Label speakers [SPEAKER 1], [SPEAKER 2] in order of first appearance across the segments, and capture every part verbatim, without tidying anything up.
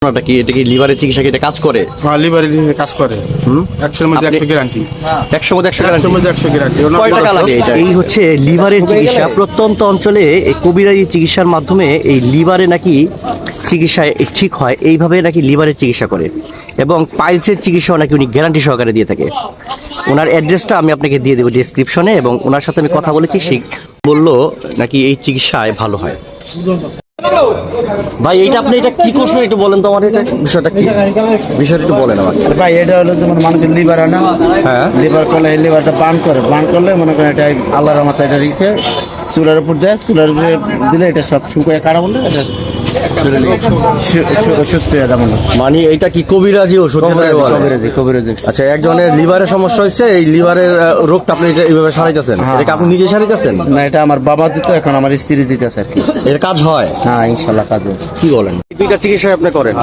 [SPEAKER 1] এটা কি এটা কি লিভারের চিকিৎসা কি এটা কাজ করে?
[SPEAKER 2] হ্যাঁ, লিভারের কাজ করে। হুম, একশোর মধ্যে একশো গ্যারান্টি।
[SPEAKER 1] একশোর মধ্যে একশো
[SPEAKER 2] একশোর মধ্যে একশো গ্যারান্টি।
[SPEAKER 1] কয় টাকা লাগে এটা? এই হচ্ছে লিভারের চিকিৎসা। প্রত্যন্ত অঞ্চলে এই কবিরাজি চিকিৎসার মাধ্যমে এই লিভারে নাকি চিকিৎসা ঠিক হয়, এইভাবে নাকি লিভারের চিকিৎসা করে এবং পাইলসের চিকিৎসাও নাকি উনি গ্যারান্টি সহকারে দিয়ে থাকে। ওনার অ্যাড্রেসটা আমি আপনাকে দিয়ে দেবো ডিসক্রিপশনে, এবং ওনার সাথে আমি কথা বলেছি, সে বললো নাকি এই চিকিৎসায় ভালো হয়। ভাই এইটা আপনি এটা কি করছেন একটু বলেন তো আমার, এটা বিষয়টা কি, বিষয়টা একটু বলেন আমাকে।
[SPEAKER 3] ভাই এটা হলো যেমন মানুষের লিভার হয় না,
[SPEAKER 1] হ্যাঁ,
[SPEAKER 3] লিভার করলে এই লিভারটা বার্ন করে, বার্ন করলে মনে করেন এটা আল্লাহর রহমতে এটা রেখে চুলার উপর দেয়, চুলার উপরে দিলে এটা সব শুকিয়ে কাটা বললে এটা সুস্থ হয়ে যাবে।
[SPEAKER 1] মানে এটা কি কবিরাজি ওষুধ?
[SPEAKER 3] কবিরাজি কবিরাজি
[SPEAKER 1] আচ্ছা, একজনের লিভারের সমস্যা হয়েছে, এই লিভারের আহ, রোগটা আপনি এটা এইভাবে সারাইতেছেন, এটা আপনি নিজে সারাইতেছেন?
[SPEAKER 3] না, এটা আমার বাবা দিত, এখন আমার স্ত্রী দিতেছে আর কি।
[SPEAKER 1] এর কাজ হয়?
[SPEAKER 3] হ্যাঁ, ইনশাল্লাহ কাজ হবে।
[SPEAKER 1] কি বলেন? দুইটা চিকিৎসা আপনি করেন?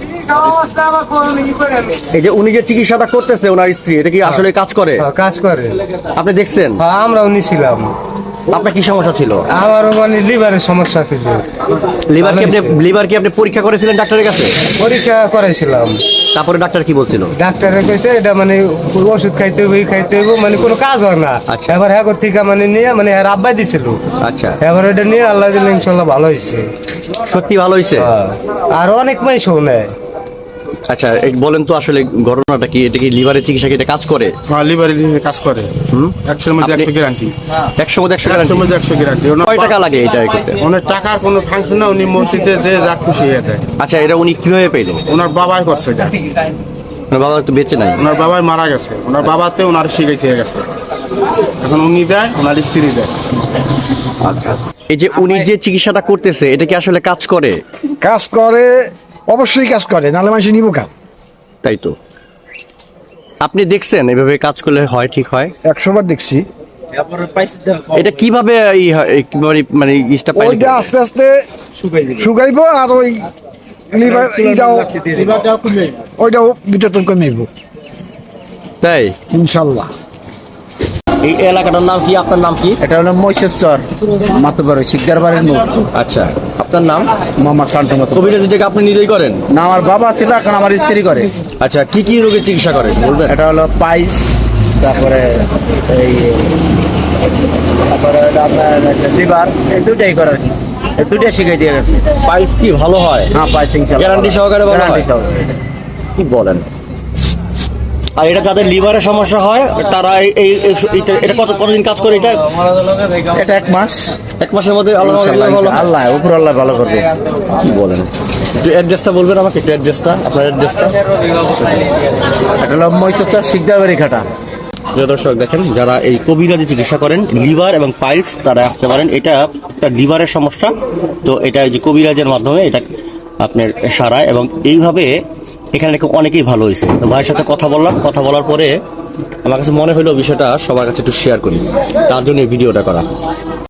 [SPEAKER 1] এই যে উনি যে চিকিৎসাটা করতেছে ওনার স্ত্রী, এটা কি আসলে কাজ করে?
[SPEAKER 4] কাজ করে।
[SPEAKER 1] আপনি দেখছেন?
[SPEAKER 4] হ্যাঁ, আমরাও নিছিলাম।
[SPEAKER 1] আপনার কি সমস্যা ছিল?
[SPEAKER 4] আমারও মানে লিভারের সমস্যা ছিল।
[SPEAKER 1] লিভার কি আপনি লিভার কি আপনি পরীক্ষা করেছিলেন ডাক্তারের কাছে?
[SPEAKER 4] পরীক্ষা করাইছিলাম।
[SPEAKER 1] তারপরে ডাক্তার কি বলছিল?
[SPEAKER 4] ডাক্তারে কইছে এটা মানে ওষুধ খাইতে হইব, এই খাইতে হইব, মানে কোনো কাজ হয় না।
[SPEAKER 1] আচ্ছা।
[SPEAKER 4] এবার হ্যাঁ থেকে মানে নিয়ে মানে হ্যাঁ আব্বাই দিছিল।
[SPEAKER 1] আচ্ছা,
[SPEAKER 4] এবার এটা নিয়ে আল্লাহ দিলে ইনশাল্লাহ ভালো হয়েছে।
[SPEAKER 1] সত্যি ভালো হয়েছে?
[SPEAKER 4] আর অনেক মাইসও নেয়।
[SPEAKER 1] আচ্ছা, এই বলেন তো আসলে ঘটনাটা কি, এটা কি লিভারের চিকিৎসা কি এটা কাজ করে?
[SPEAKER 2] হ্যাঁ, লিভারের কাজ করে। হুম, একশোর মধ্যে একশো গ্যারান্টি।
[SPEAKER 1] একশোর মধ্যে একশো
[SPEAKER 2] একশোর মধ্যে একশো গ্যারান্টি।
[SPEAKER 1] কয় টাকা লাগে এটা করতে?
[SPEAKER 2] ওনার টাকার কোনো ফাংশন না, উনি মসজিদে যে যা খুশি হয়ে দেয়।
[SPEAKER 1] আচ্ছা, এটা উনি কিভাবে পেলেন?
[SPEAKER 2] ওনার বাবাই করছে এটা।
[SPEAKER 1] ওনার বাবা তো বেঁচে নাই?
[SPEAKER 2] ওনার বাবাই মারা গেছে, ওনার বাবাতে ওনার শিখাইতে গেছে, এখন উনি দেয়, ওনার স্ত্রী দেয়।
[SPEAKER 1] আচ্ছা, এই যে উনি যে চিকিৎসাটা করতেছে এটা কি আসলে কাজ করে?
[SPEAKER 5] কাজ করে, অবশ্যই কাজ করে, নাহলে মানুষ নিব কাজ।
[SPEAKER 1] তাই তো, আপনি দেখছেন এভাবে কাজ করলে হয়, ঠিক হয়?
[SPEAKER 5] একশো বার দেখছি।
[SPEAKER 1] এটা কিভাবে ই হয়, এই কিভাবে মানে ইস্টা পাইলে
[SPEAKER 5] ওইটা আস্তে আস্তে শুকাইবো, আর ওই লিভার এইটাও ওইটাও বিতরণ করে নেব
[SPEAKER 1] তাই?
[SPEAKER 5] ইনশাল্লাহ।
[SPEAKER 1] এই এলাকাটার নাম কি? আপনার নাম কি?
[SPEAKER 3] এটা হলো মহিষেশ্বর মাতবার শিকদার বাড়ির মুখ।
[SPEAKER 1] আচ্ছা, আপনার নাম?
[SPEAKER 3] মোহাম্মদ শান্ত মতো।
[SPEAKER 1] কবিরাজি থেকে আপনি নিজেই করেন?
[SPEAKER 3] না, আমার বাবা ছিল, এখন আমার স্ত্রী করে।
[SPEAKER 1] আচ্ছা, কি কি রোগের চিকিৎসা করেন বলবেন?
[SPEAKER 3] এটা হলো পাইস, তারপরে এই তারপরে আপনার লিভার, এই দুটাই করে আর কি। এই দুটাই শিখাই দিয়ে গেছে।
[SPEAKER 1] পাইলস কি ভালো হয়?
[SPEAKER 3] হ্যাঁ, পাইস ইনশাআল্লাহ
[SPEAKER 1] গ্যারান্টি সহকারে ভালো হয়?
[SPEAKER 3] গ্যারান্টি সহকারে।
[SPEAKER 1] কি বলেন? আর এটা যাদের লিভারের সমস্যা হয় তারা এই এই এটা এটা কত কতদিন কাজ করে এটা?
[SPEAKER 3] এটা এক মাস।
[SPEAKER 1] এক মাসের মধ্যে আল্লাহ ভালো হয়?
[SPEAKER 3] আল্লাহ উপর আল্লাহ ভালো করবে।
[SPEAKER 1] কি বলেন? একটু অ্যাড্রেসটা বলবেন আমাকে, একটু অ্যাড্রেসটা, আপনার অ্যাড্রেসটা।
[SPEAKER 3] এটা হলো মহিষেশ্বর শিকদার বাড়ি খাটা।
[SPEAKER 1] প্রিয় দর্শক, দেখেন যারা এই কবিরাজি চিকিৎসা করেন লিভার এবং পাইলস তারা আসতে পারেন। এটা একটা লিভারের সমস্যা, তো এটা এই যে কবিরাজের মাধ্যমে এটা আপনার সারায়, এবং এইভাবে এখানে নাকি অনেকেই ভালো হয়েছে। তো ভাইয়ের সাথে কথা বললাম, কথা বলার পরে আমার কাছে মনে হলো বিষয়টা সবার কাছে একটু শেয়ার করি, তার জন্য এই ভিডিওটা করা।